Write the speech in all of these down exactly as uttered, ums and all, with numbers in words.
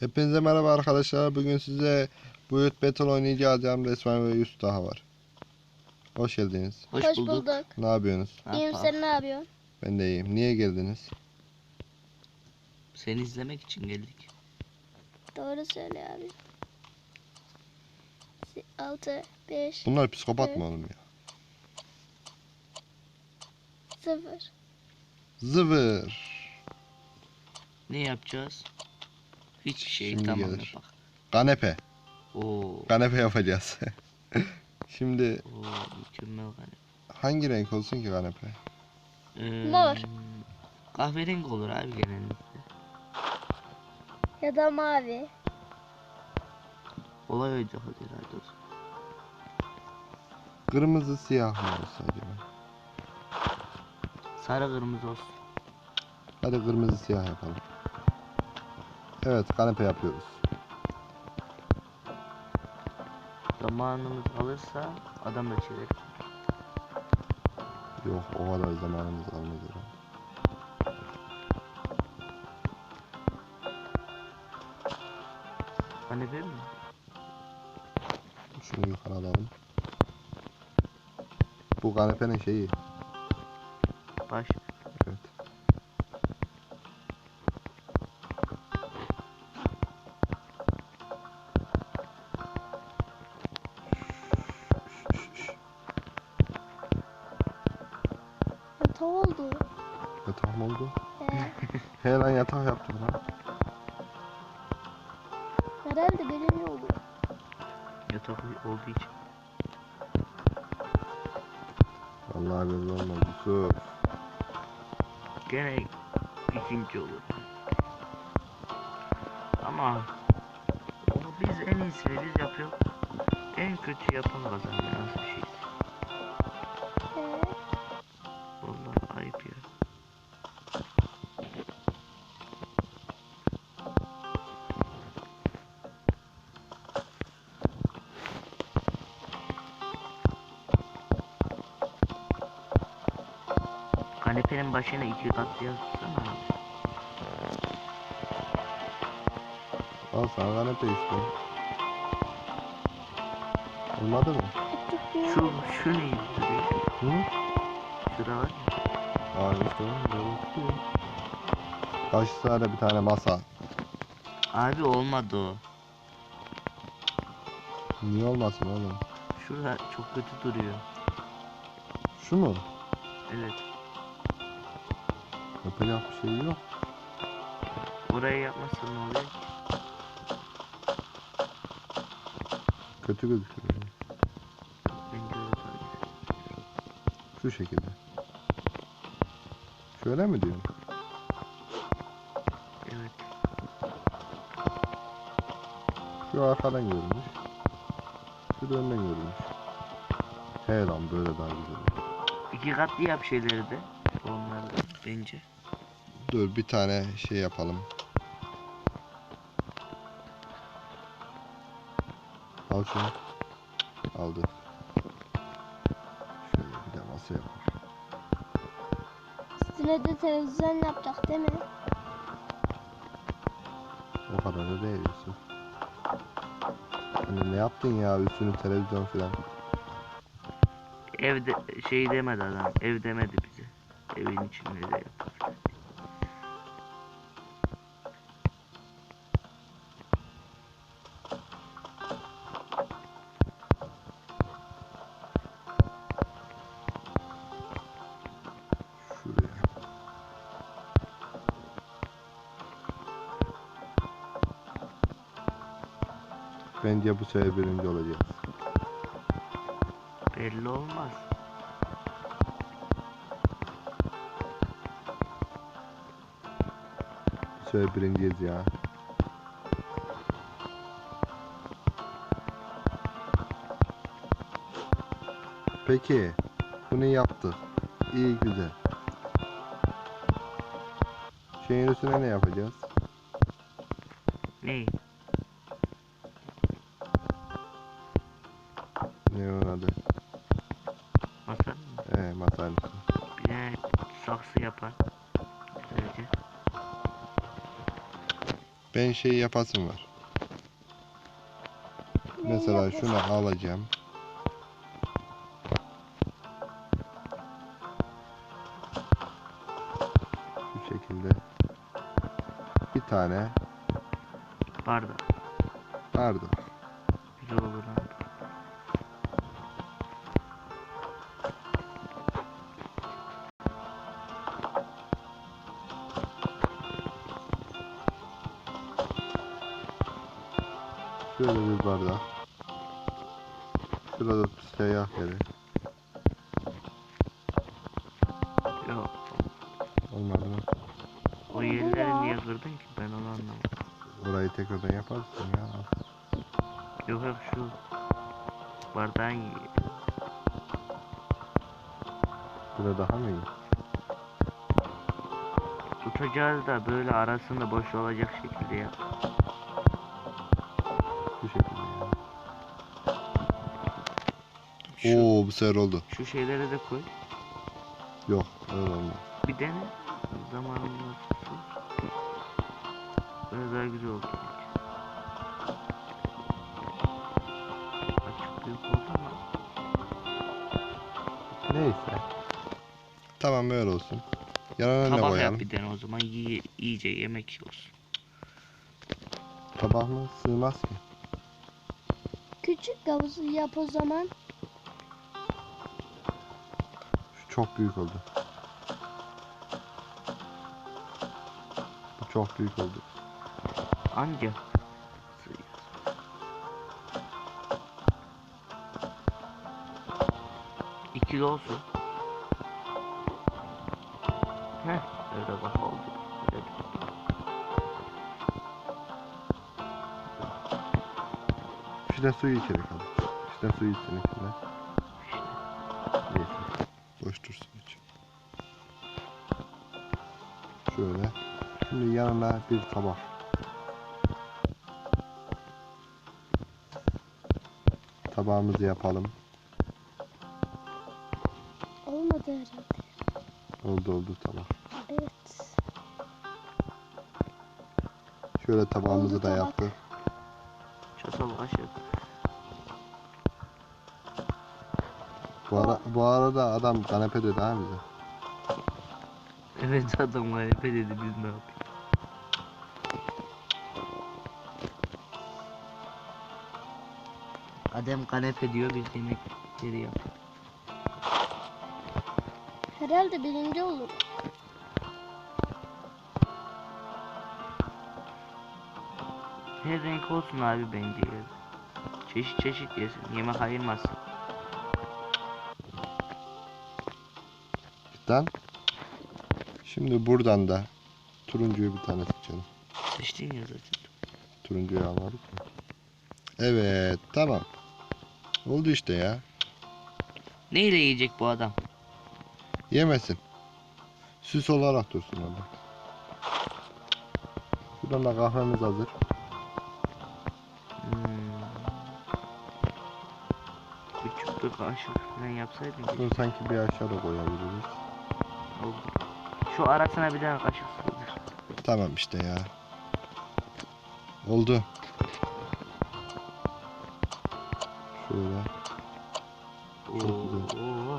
Hepinize merhaba arkadaşlar. Bugün size Boyut Battle oynayacağız. Resmen ve Yusuf daha var. Hoş geldiniz. Hoş, Hoş bulduk. bulduk. Ne yapıyorsunuz? Ne İyiyim, yapalım? sen ne yapıyorsun? Ben de iyiyim. Niye geldiniz? Seni izlemek için geldik. Doğru söyle abi. altı, beş, Bunlar psikopat Evet. mı oğlum ya? sıfır. Zıvır. Ne yapacağız? Hiçbir şey. Şimdi Tamam gelir. yapak. Kanepe. Oo. Kanepe yapacağız. Şimdi Oo, mükemmel galiba. hangi renk olsun ki kanepe? Ee, Mor. Kahverengi olur abi genellikle. Ya da mavi. Olay oydu hadi herhalde olsun. Kırmızı siyah mı olsa acaba? Sarı kırmızı olsun. Hadi kırmızı siyah yapalım. Evet, kanepe yapıyoruz. Zamanımız alırsa adam da çevirir. Yok, o kadar zamanımız almaz herhalde. Kanepe mi? Şunu yukarı alalım. Bu kanepenin şeyi. Baş. Evet. Yatak oldu. Yatak mı oldu? He. He lan, yatak yaptım lan. Herhalde benim oldu. Yatak olduğu için. Vallahi belli olmaz Yusuf. Gene ikinci olur. Ama onu biz en iyisini biz yapıyoruz. En kötü yapan kazanıyor. Nasıl bir şey? He. Vallahi ayıp ya. Kanepenin başına iki kat yazsana abi. Al sana kanepe işte. Olmadı mı? Şu, şu neydi? Hı? Şurada var ya. Aa işte oğlum, böyle tutuyor. Karşısına da bir tane masa. Abi olmadı o. Niye olmasın oğlum? Şurada çok kötü duruyor. Şu mu? Evet. Yapacak bir şey yok. Orayı yapmazsan ne oluyor? Kötü gözüküyor. Bence öyle tabii. Şu şekilde. Şöyle mi diyorsun? Evet. Şu arkadan görünmüş. Şu da önden görünmüş. He lan, böyle daha güzel olur. İki katlı yap şeyleri de. Onları da bence. Dur, bir tane şey yapalım. Al şunu. Aldı. Şöyle bir de masa yapalım. Üstüne de televizyon yapacak değil mi? O kadar da değil Yusuf. Hani ne yaptın ya, üstünü televizyon filan. Evde şey demedi adam. Ev demedi bize. Evin içinde de yap. Şuraya. Bence bu sefer birinci olacağız. Belli olmaz. Bu sefer birinciyiz ya. Peki. Bunu yaptık. İyi, güzel. Şeyin üstüne ne yapacağız? Ne? Ne onun adı? Masa mı? Ee, masanın üstüne. Bir de saksı yapar. Böylece. Ben şey yapasım var. Ne Mesela yapıyorsun? şunu alacağım. Şu şekilde. Bir tane Bardak. bardak. Güzel olur ha. Şöyle bir bardak. Şurada seyyah yeri. Yok. Olmadı mı? O Oldu yerleri ya. niye kırdın ki? Ben onu anlamadım. Orayı tekrardan yaparsın ya. Yok yok şu bardağın yeri. Burada daha mı iyi? Tutacağız da böyle arasında boş olacak şekilde yap. Bu şekilde ya. Şu, Oo, bu sefer oldu. şu şeyleri de koy. Yok, öyle olmaz. Bir dene. Zamanımız olsun. Böyle daha güzel oldu. Açık büyük oldu ama. Neyse. Tamam, öyle olsun. Yanına ne Tabak yap koyalım? bir dene o zaman. Yiye, iyice yemek olsun. Tabak mı? Sığmaz ki. Küçük havuzu yap o zaman. Şu çok büyük oldu. Bu çok büyük oldu. Anca. İkili olsun. Heh, öyle bak oldu. Öyle. İşte suyu içeri kaldı. İşte suyu içsin içinde. Neyse. Boş dursun iç. Şöyle. Şimdi yanına bir tabak. Tabağımızı yapalım. Olmadı herhalde. Oldu oldu tabak. Evet. Şöyle tabağımızı Oldu da tabak. yaptık. Çatal kaşık. Bu, ara, bu arada adam kanepe dedi ha bize. Evet adam galiba dedi biz ne yapıyoruz. Adem kanepe diyor biz yemekleri yapıyoruz. Herhalde birinci olur. Her renk olsun abi bence ya. Çeşit çeşit yesin. Yemek ayırmasın. Cidden. Şimdi buradan da turuncuyu bir tane seçelim. Seçtin ya zaten. Turuncuyu almadık mı? Evet, tamam. Oldu işte ya. Neyle yiyecek bu adam? Yemesin. Süs olarak dursun orada. Şuradan da kahvemiz hazır. Hmm. Küçük bir kaşık falan yapsaydın ki. Bunu sanki bir aşağı da koyabiliriz. Oldu. Şu arasına bir tane kaşık sığdır. Tamam işte ya. Oldu. Şöyle. Çok güzel. Oo.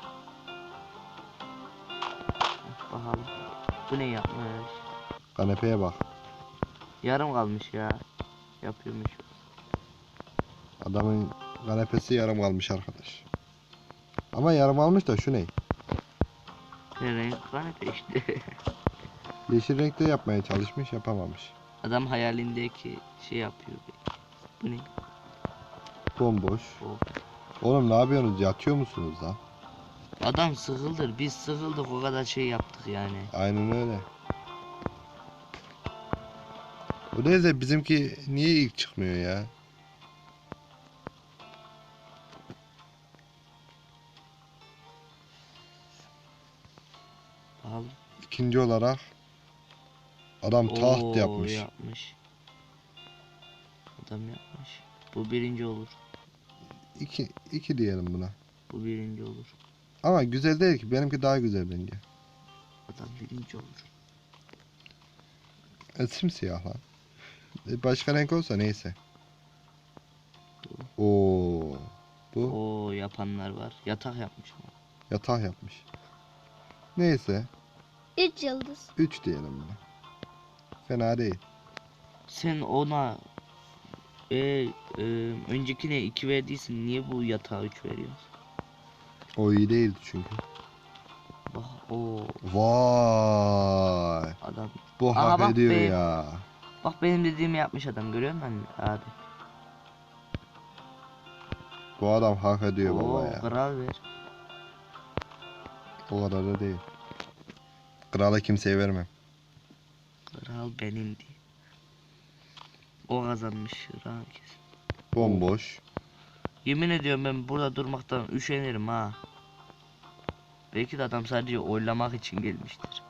Bakalım. Bu ne yapmış? Kanepeye bak. Yarım kalmış ya. Yapıyormuş. Adamın kanepesi yarım kalmış arkadaş. Ama yarım almış da şu ne? Ne renk kanepe işte. Yeşil renkte yapmaya çalışmış, yapamamış. Adam hayalindeki şey yapıyor belki. Bu ne? Bomboş. O. Oğlum ne yapıyorsunuz? Yatıyor musunuz lan? Adam sıkıldır. Biz sıkıldık o kadar şey yaptık yani. Aynen öyle. O neyse, bizimki niye ilk çıkmıyor ya? Al. İkinci olarak adam taht Oo, yapmış. yapmış. Adam yapmış. Bu birinci olur. İki, iki diyelim buna. Bu birinci olur. Ama güzel değil ki. Benimki daha güzel bence. Adam birinci olur. E, simsiyah lan. E, Başka renk olsa neyse. Oo. Bu Oo yapanlar var. Yatak yapmış ama. yatak yapmış. Neyse. Üç yıldız. üç diyelim buna. Fena değil. Sen ona e, e, öncekine iki verdiysin. Niye bu yatağa üç veriyorsun? O iyi değildi çünkü. Bak o Vay. adam. Bu Aha, hak bak ediyor be. ya. Bak benim dediğimi yapmış adam, görüyor musun abi? Bu adam hak ediyor baba Oo ya. kral ver. O kadar da değil. Krala kimseye vermem. Kral benimdi. O kazanmış kral kesin. Bomboş. Yemin ediyorum ben burada durmaktan üşenirim ha. Belki de adam sadece oylamak için gelmiştir.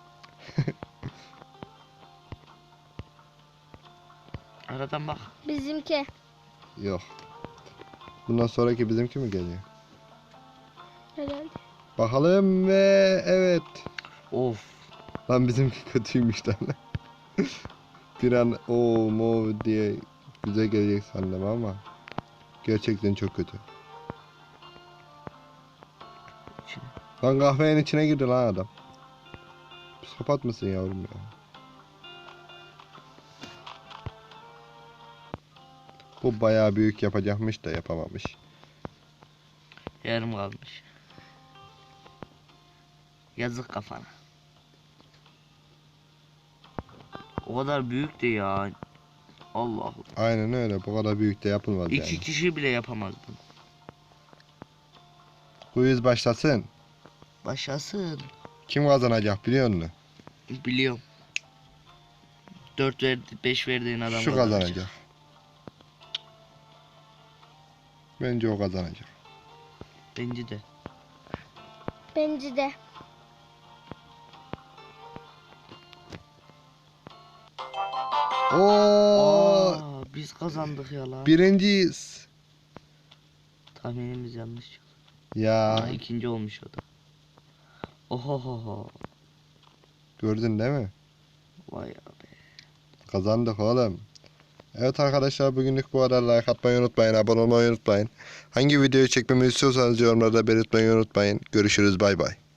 Aradan bak. Bizimki. Yok. Bundan sonraki bizimki mi geliyor? Herhalde. Bakalım ve evet. Of. Lan bizimki kötüymüş lan. Bir an o mo diye güzel gelecek sandım ama gerçekten çok kötü. İçine. Lan kahvenin içine girdi lan adam. Psikopat mısın yavrum ya? Bu bayağı büyük yapacakmış da yapamamış. Yarım kalmış. Yazık kafana. O kadar büyük de ya. Allah. Aynen öyle. Bu kadar büyük de yapılmaz İki yani. kişi bile yapamaz bunu. Quiz başlasın. Başlasın. Kim kazanacak biliyor musun? Biliyorum. Dört verdi, beş verdiğin adam Şu kazanacak. kazanacak. Bence o kazanacak. Bence de. Bence de. Oo, Aa, biz kazandık ya lan. birinciyiz. Tahminimiz yanlış çıktı. Ya Aa, ikinci olmuş o da. Ohohoho. gördün değil mi? Vay abi. Kazandık oğlum. Evet arkadaşlar bugünlük bu kadar. Like atmayı unutmayın. Abone olmayı unutmayın. Hangi videoyu çekmemi istiyorsanız yorumlarda belirtmeyi unutmayın. Görüşürüz bay bay.